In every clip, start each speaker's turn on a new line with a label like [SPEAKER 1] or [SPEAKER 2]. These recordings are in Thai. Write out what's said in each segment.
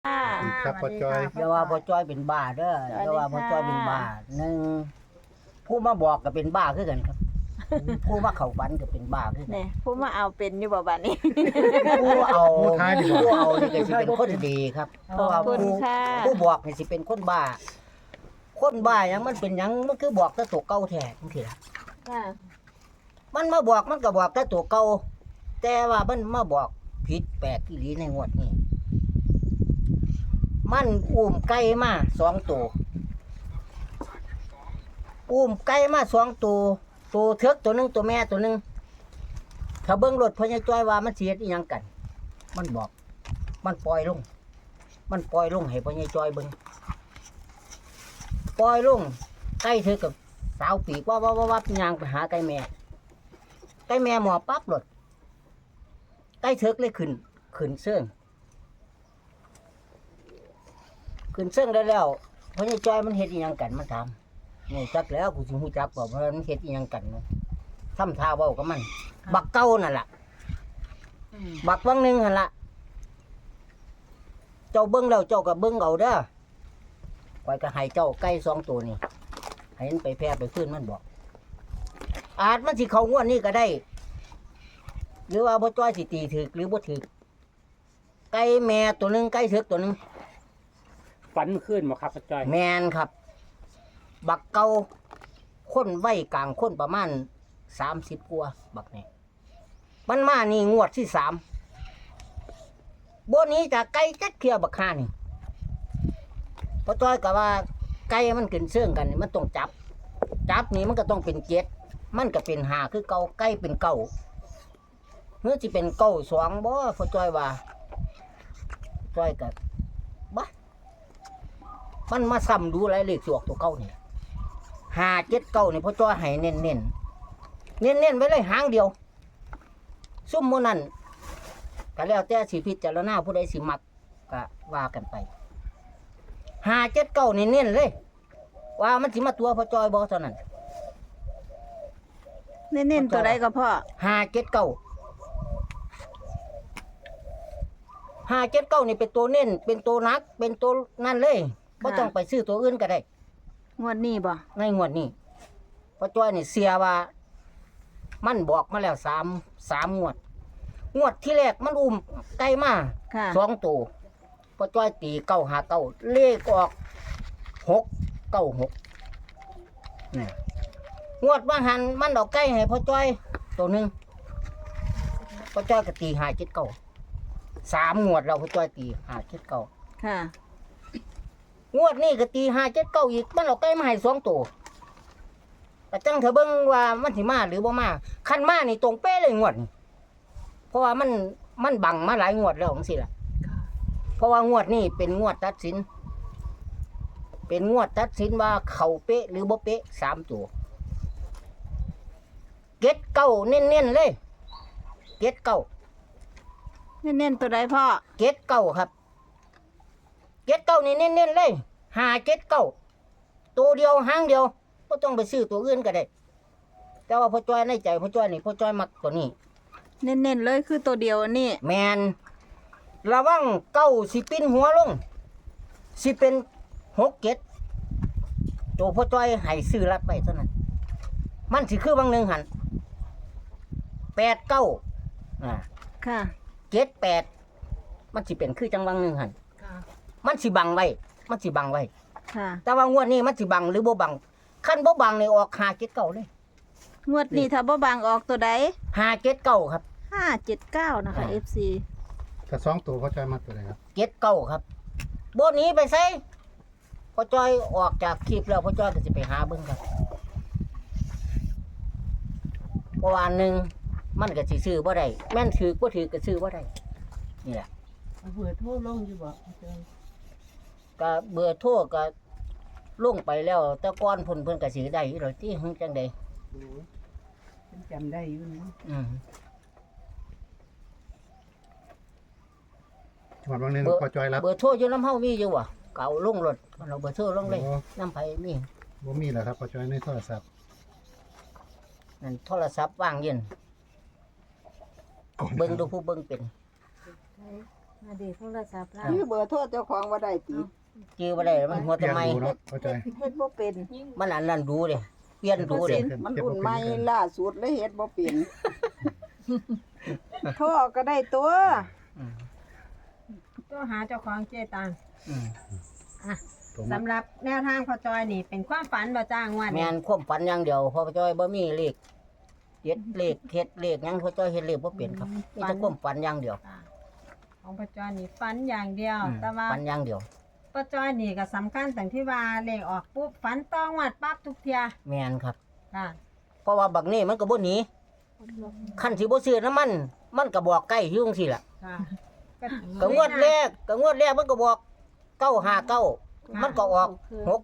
[SPEAKER 1] ครับพ่อจ้อย
[SPEAKER 2] อย่าว่าพ่อจ้อยเป็นบ้าเด้ออย่าว่าพ่อจ้อยเป็นบ้าหนึ่งผู้มาบอกก็เป็นบ้าคือกันครับ ผู้มาเข้าฝันก็เป็นบ้าคือกัน
[SPEAKER 3] เนี่ยผู้มาเอาเป็นอยู่บ่บัดนี้
[SPEAKER 2] ผู้เอา
[SPEAKER 1] ผู้ท้ายดีกว่า
[SPEAKER 2] ผู้เอานี่ก็สิเป็นคนดีครับเพราะว่า
[SPEAKER 3] ขอบคุณ
[SPEAKER 2] ผู้
[SPEAKER 3] ค่ะ
[SPEAKER 2] ผู้บอกนี่สิเป็นคนบ้า คนบ้าหยังมันเป็นหยังมันคือบอกแต่ตัวเก่าแท้จังซี่ล่ะ
[SPEAKER 3] ค่ะ
[SPEAKER 2] มันมาบอกมันก็บอกแต่ตัวเก่าแต่ว่ามันมาบอกผิดแปลกอีหลีในงวดนี้มันอุ้มไก่มา2ตัวอุ้มไก่มา2ตัวตัวเทือกตัวหนึงตัวแม่ตัวหนึงถ้าเบิ่งรถพญาจ้อยว่ามันสิเฮ็ดอีหยังกัน มันบอก มันปล่อยลง มันปล่อยลงให้พญาจ้อยเบิ่งปล่อยลงไก่เธอกับสาวปีกว่าย่างไปหาไก่แม่ไก่แม่หมอปั๊บรถไก่เถิกเลยขึ้นเสื่องขึ้นเสื่องได้แล้วพญาจ้อยมันเฮ็ดอีหยังกันมันถามนี่จักแล้วกูสิฮู้จักบ่ว่ามันเฮ็ดอีหยังกันเนาะทำท่าเว้ากับมัน บักเก่านั่นล่ะบักวังหนึงหั่นล่ะเจ้าเบิ่งแล้วเจ้าก็เบิ่งเอาเด้อข้อยก็ให้เจ้าไก่2ตัวนี่ให้มันไปแพร่ไปขึ้นมันบอกอาจมันสิเข้างวดนี้ก็ได้ หรือว่าพ่อจ้อยสิตีถึกหรือบ่ถึกไก่แม่ตัวหนึงไก่เถิกตัวหนึง
[SPEAKER 4] ฝันขึ้นบ่ครับพ่อจ้อย
[SPEAKER 2] แมนครับ บักเก่าคนไว้กลางคนประมาณ30กว่าบักนี่มันมานี่งวดที่3บ่หนี้จากไก่จักเที่ยบักห่านี่พ่อจ้อยก็ว่าไก่มันขึ้นเสื่องกันนี่มันต้องจับนี่มันก็ต้องเป็น7มันก็เป็น5คือเก่าไก่เป็นเก่าเมื่อสิเป็นเก่า2บ่พ่อจ้อยว่าจ้อยก็บ่มันมาซ้ำดูหลายเลขสวกตัวเก่านี่5 7 9นี่พ่อจ้อยให้เน้นไว้เลยหางเดียวซุ่มมื้อนั้นก็แล้วแต่สิพิจารณาผู้ใดสิมักก็ว่ากันไป5 7 9นี่เน้นเลย ว่ามันสิมาตัวพ่อจ้อยบ่เท่านั้น
[SPEAKER 3] เน้นๆตัวใดก็พ่อ
[SPEAKER 2] 579นี่เป็นตัวเน้นเป็นตัวนักเป็นตัวนั่นเลยบ่ต้องไปซื้อตัวอื่นก็ได้
[SPEAKER 3] งวดนี้บ่
[SPEAKER 2] ในงวดนี้พ่อจ้อยนี่เสียว่า มันบอกมาแล้ว3 งวด งวดที่แรกมันอุ้มไก่มา
[SPEAKER 3] ค่ะ
[SPEAKER 2] 2ตัวพ่อจ้อยตี959เลขออก696นี่งวดว่าหันมันเอาไก่ให้พ่อจ้อยตัวหนึงพ่อจ้อยก็ตี579 3 งวดเราพ่อจ้อยตี579
[SPEAKER 3] ค่ะ
[SPEAKER 2] งวดนี้ก็ตี579อีกมันเอาไก่มาให้2ตัวแต่จังเถอะเบิ่งว่ามันสิมาหรือบ่มาคันมานี่ตรงเป๊ะเลยงวดนี้เพราะว่ามันบังมาหลายงวดแล้วจังซี่ล่ะเพราะว่างวดนี้เป็นงวดตัดสิน เป็นงวดตัดสินว่าเข้าเป๊ะหรือบ่เป๊ะ3ตัวเก็ดเก้าเน้นๆเลยเก็ดเก้า
[SPEAKER 3] เน้นๆตัวใดพ่อ
[SPEAKER 2] เก็ดเก้าครับเก็ดเก้านี่เน้นๆเลย579ตัวเดียวหางเดียวบ่ต้องไปซื้อตัวอื่นก็ได้ แต่ว่าพ่อจ้อยในใจพ่อจ้อยนี่พ่อจ้อยมักตัวนี้
[SPEAKER 3] เน้นๆเลยคือตัวเดียวอันนี้
[SPEAKER 2] แมนระวังเก้าสิปิ้นหัวลงสิเป็น6 7ตัวพ่อจ้อยให้ซื้อรัดไปเท่านั้นมันสิคือบางหนึงหัน8 9
[SPEAKER 3] ค่ะ
[SPEAKER 2] 7 8มันสิเป็นคือจังบางหนึงหันมันสิบังไว้มันสิบังไว้
[SPEAKER 3] ค่ะ
[SPEAKER 2] แต่ว่างวดนี้มันสิบังหรือบ่บังคันบ่บังนี่ออก579เลย
[SPEAKER 3] งวดนี้ถ้าบ่บางออกตัวใด
[SPEAKER 2] 579ครับ
[SPEAKER 3] 579นะคะ FC
[SPEAKER 1] ถ้า2ตัวพ่อจ้อยมักตัวไหนครับ
[SPEAKER 2] 79ครับบ่หนีไปไสพ่อจ้อยออกจากคลิปแล้วพ่อจ้อยก็สิไปหาเบิ่งครับเพราะว่าหนึ่งมันก็สิซื้อบ่ได้แม่นถือบ่ถือก็ซื้อบ่ได้นี่แหละ
[SPEAKER 5] เบอร์โทรลงอยู่บ่อาจารย์
[SPEAKER 2] ก็เบอร์โทรก็ลงไปแล้วแต่ก่อนเพิ่นก็สิได้อยู่ดอกที่หึงจังได๋
[SPEAKER 5] โอ้ยฉันจำได้อยู่นะ
[SPEAKER 1] จังหวัดบางนึงพ่อจ้อยรับ
[SPEAKER 2] เบอร์โทรอยู่นำเฮามีอยู่บ่ก็เอาลงรถเราเบอร์โทรลงเลย
[SPEAKER 1] โอ้
[SPEAKER 2] นำไผมี
[SPEAKER 1] บ่มีแล้วครับพ่อจ้อยในโทรศัพท์
[SPEAKER 2] นั่นโทรศัพท์ว่างเย็นเบิ่งดูผู้เบิ่งเป็น
[SPEAKER 6] มาดีโทรศัพท์แล้ว
[SPEAKER 5] ชื่อเบอร์โทรเจ้าของบ่ได้ติ
[SPEAKER 2] จื้อบ่ได้มันหัว
[SPEAKER 1] เปลี่
[SPEAKER 2] ทำ
[SPEAKER 1] ยน
[SPEAKER 2] ไม
[SPEAKER 1] ดูเนาะพ่อจอย
[SPEAKER 5] เฮ็ดบ่เป็น
[SPEAKER 2] มันอันนั้นดูเด้เปลี่ยนดูเด้
[SPEAKER 5] มันอุ่นใหม่ล่าสุดเลยเฮ็ดบ่เป็นโทรก็ได้ตัว
[SPEAKER 2] อืม
[SPEAKER 6] ตัวหาเจ้าของเจตัง
[SPEAKER 2] อืม
[SPEAKER 1] ผม
[SPEAKER 6] สำหรับแนวทางพอจอยนี่เป็นความฝันบ่จ้างวัน
[SPEAKER 2] แม่นความฝันอย่างเดียวเพอจ้อยบ่มีเลขเฮ็ดเลขเฮ็ดเลขหยังพอจ้อยเฮ็ดเลขบ่เป็นครับมีแต่ความฝันอย่างเดียว
[SPEAKER 6] ของพอจอยนี่ฝันอย่างเดียว
[SPEAKER 2] อืม
[SPEAKER 6] แต่ว่า
[SPEAKER 2] ฝันอย่างเดียว
[SPEAKER 6] พอจอยนี่ก็สำคัญตรงที่ว่าเลขออกปุ๊บฝันต้องวัดปั๊บทุกเทีย
[SPEAKER 2] แม่นครับ
[SPEAKER 6] ค่ะ
[SPEAKER 2] เพราะว่าบักนี้มันก็บ่หนีคันสิบ่ซื้อน้ำมันก็บอกใกล้อยู่จังซี่ล่ะ
[SPEAKER 6] ค่ะ
[SPEAKER 2] ก็งวดแรกมันก็บอก959มันก็ออก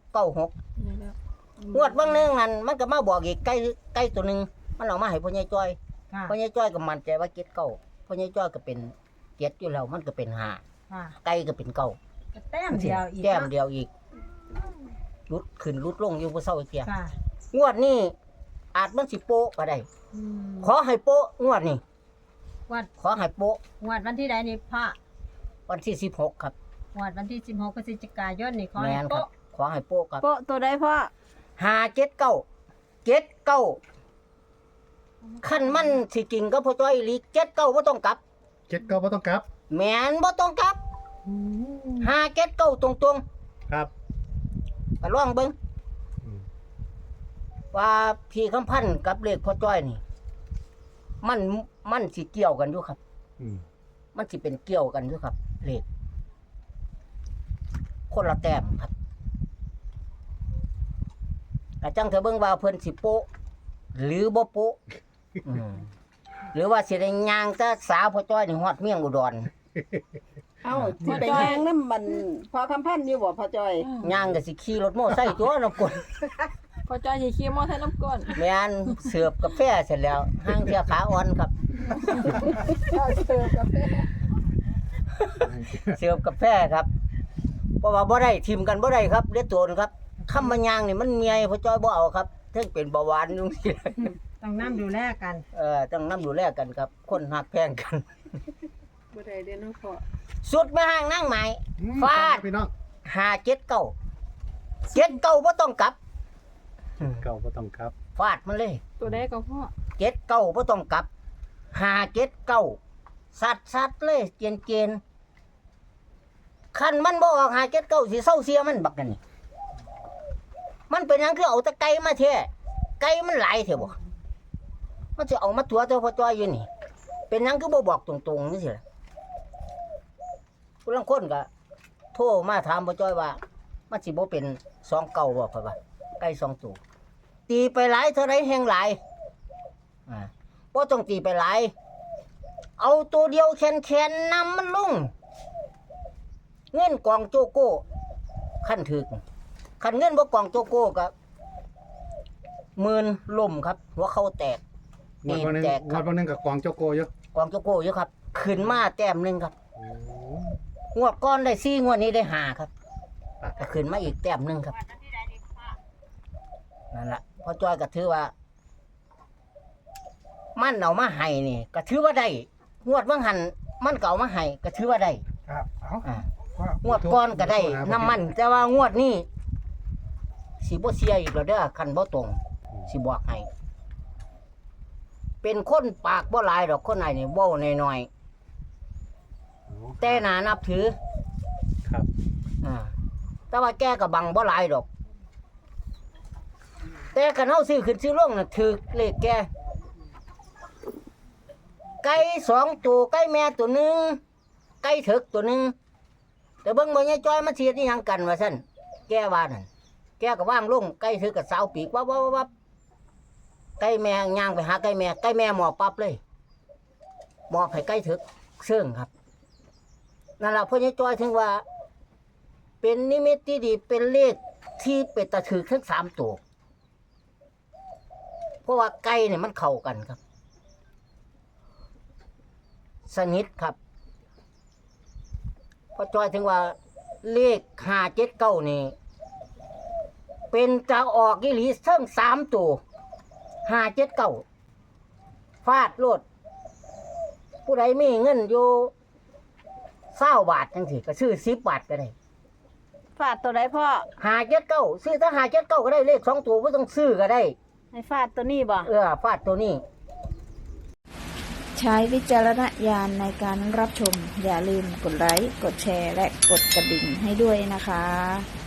[SPEAKER 2] 696งวดบางนึงนั่นมันก็มาบอกอีกใกล้ตัวหนึงมันเอามาให้พ่อใหญ่จ้อย
[SPEAKER 6] ค่ะ
[SPEAKER 2] พ่อใหญ่จ้อยก็มั่นใจว่าเก็ดเก้าพ่อใหญ่จ้อยก็เป็นเก็ดอยู่แล้วมันก็เป็นห้า
[SPEAKER 6] ค่ะ
[SPEAKER 2] ไก่ก็เป็นเก้า
[SPEAKER 6] ก็แต้มเดียวอีก
[SPEAKER 2] แต้ม
[SPEAKER 6] เนาะ
[SPEAKER 2] เดียวอีกลุดขึ้นลุดลงอยู่บ่เซาอีกเที่ย
[SPEAKER 6] ค่ะ
[SPEAKER 2] งวดนี้อาจมันสิโปะก็ได้
[SPEAKER 6] อืม
[SPEAKER 2] ขอให้โปะงวดนี้
[SPEAKER 6] วัด
[SPEAKER 2] ขอให้โปะ
[SPEAKER 6] งวดวันที่ใดนี่พระ
[SPEAKER 2] วันที่16ครับ
[SPEAKER 6] งวดวันที่16พฤศจิกายนนี่ขอ
[SPEAKER 2] แม่
[SPEAKER 6] ให้
[SPEAKER 2] นครับ
[SPEAKER 6] โป๊ะ
[SPEAKER 2] ขอให้โปะครับ
[SPEAKER 3] โปะตัวใดพ่อ
[SPEAKER 2] 579คันมันสิจริงก็พ่อจ้อยอีหลี79บ่ต้องกลับ
[SPEAKER 1] เจ็ดเก้าบ่ต้องกลับ
[SPEAKER 2] แม่นบ่ต้องกลับ579ตรง
[SPEAKER 1] ครับ
[SPEAKER 2] ๆก็ลองเบิ่ง
[SPEAKER 1] อืม
[SPEAKER 2] ว่าพี่คำพันธ์กับเลขพ่อจ้อยนี่ มันสิเกี่ยวกันอยู่ครับ
[SPEAKER 1] อืม
[SPEAKER 2] มันสิเป็นเกี่ยวกันอยู่ครับ เลขคนละแต้มครับอาจังเถอะเบิ่งว่าเพิ่นสิโปะหรือบ่โปะอืมหรือว่าสิได้ย่างแต่สาวพ่อจ้อยนี่ฮอดเมียงอุดร
[SPEAKER 5] เอ้าสิไปย่างนำมันพอคำพันธ์อยู่บ่พ่อจ้อย
[SPEAKER 2] ย่างก็สิขี่รถมอไซค์ตัวน้ำกล
[SPEAKER 3] พอจอยสิขี่มอไซค์น้ำก้น
[SPEAKER 2] แม่นเสิร์ฟกาแฟเสร็จแล้วห้างเที่ยขาอ่อนครับ เสิร์ฟกาแฟครับ เพราะว่าบ่ได้ทิมกันบ่ได้ครับเลือดโตนครับคำมันยางนี่มันเมียพ่อจ้อยบ่เอาครับเทิงเป็นเบาหวานจังซี่
[SPEAKER 6] ต้องนํดูแลกัน
[SPEAKER 2] ต้องนำดูแลกันครับ คนหักแพงกัน
[SPEAKER 5] บ่ได้เด้อเนาะพ่อ
[SPEAKER 2] สุดมาห้างนั่งใหม่
[SPEAKER 1] อืม
[SPEAKER 2] ฟาด
[SPEAKER 1] พี่น้อง
[SPEAKER 2] 579บ่ต้องกลับ
[SPEAKER 1] เก้าบ่ต้องกลับ
[SPEAKER 2] ฟาดมันเลย
[SPEAKER 3] ตัวใดก็พ่อ
[SPEAKER 2] 79บ่ต้องกลับ579สัดเลยเกณฑ์คันมันบ่ออก579สิเซาเสียมันบักนั่นนี่มันเป็นหยังคือเอาแต่ไก่มาแท้ไก่มันหลายแท้บ่มันสิเอามาตัวเจ้าพ่อจ้อยอยู่นี่ เป็นหยังคือบ่บอกตรงๆนี่สิล่ะผู้ลางคนก็โทรมาถามพ่อจ้อยว่ามันสิบ่เป็น2เก่าบ่พ่อว่าไก่2ตัวตีไปหลายเท่าไรแห่งหลายบ่ต้องตีไปหลาย เอาตัวเดียวแคนๆนำมันลงเงินกองโจโก้ขั้นถึกคันเงินบ่กองโจโก้ก็หมื่นล่มครับ หัวเข้าแตก
[SPEAKER 1] งวดวันหนึง
[SPEAKER 2] แจก
[SPEAKER 1] ง
[SPEAKER 2] ครั
[SPEAKER 1] ว
[SPEAKER 2] บ
[SPEAKER 1] ดวันหนึงกับกองโจโกอยู่
[SPEAKER 2] กองโจโก้อยู่ครับ ขึ้นมาแต้มหนึงครับ
[SPEAKER 1] โอ้
[SPEAKER 2] งวดก้อนได้4งวดนี้ได้5ครับก็ขึ้นมาอีกแต้มหนึงครับนั่นล่ะพอจ้อยก็ถือว่า มันเอามาให้นี่ก็ถือว่าได้งวดว่างหันมันก็เอามาให้ก็ถือว่าได้
[SPEAKER 1] ครับเอา
[SPEAKER 2] อ่า
[SPEAKER 1] ว่าง
[SPEAKER 2] วดก้อนก็ได้น้ำมัน แต่ว่างวดนี้สิบ่เสียอีกแล้วเด้อคันบ่ตรงสิบอกให้เป็นคนปากบ่หลายดอกคนไหนนี่เว้าน้อยๆแต่น่านับถือ
[SPEAKER 1] ครับ
[SPEAKER 2] แต่ว่าแกก็บังบ่หลายดอก แต่คันเฮาซื้อขึ้นซื้อลงน่ะถูกเลขแกไก่2ตัวไก่แม่ตัวหนึงไก่ถึกตัวหนึงแต่เบิ่งบ่ยายจ้อยมันสิเฮ็ดอีหยังกันว่าซั่นแกว่านั่นแกก็วางลงไก่ถึกกับสาวปีกวับไก่แม่ย่างไปหาไก่แม่หมอบปั๊บเลยหมอบให้ไก่ถึกเชิงครับนั่นล่ะพ่อยายจ้อยถึงว่า เป็นนิมิตที่ดีเป็นเลขที่เป็นตะถือทั้ง3ตัวเพราะว่าไก่เนี่ยมันเข้ากันครับ สนิทครับพอจอยถึงว่าเลข579นี่เป็นจะออกอีหลีเทั้ง3ตัว579ฟาดโลดผู้ใดมีเงินอยู่ 20 บาทจังซี่ก็ซื้อ10 บาทก็ได้
[SPEAKER 3] ฟาดตัวใดพ่อ
[SPEAKER 2] 579ซื้อถ้า579ก็ได้เลข2ตัวบ่ต้องซื้อก็ได้
[SPEAKER 3] ให้ฟาดตัวนี้บ่
[SPEAKER 2] ฟาดตัวนี้
[SPEAKER 7] ใช้วิจารณญาณในการรับชม อย่าลืมกดไลค์ กดแชร์ และกดกระดิ่งให้ด้วยนะคะ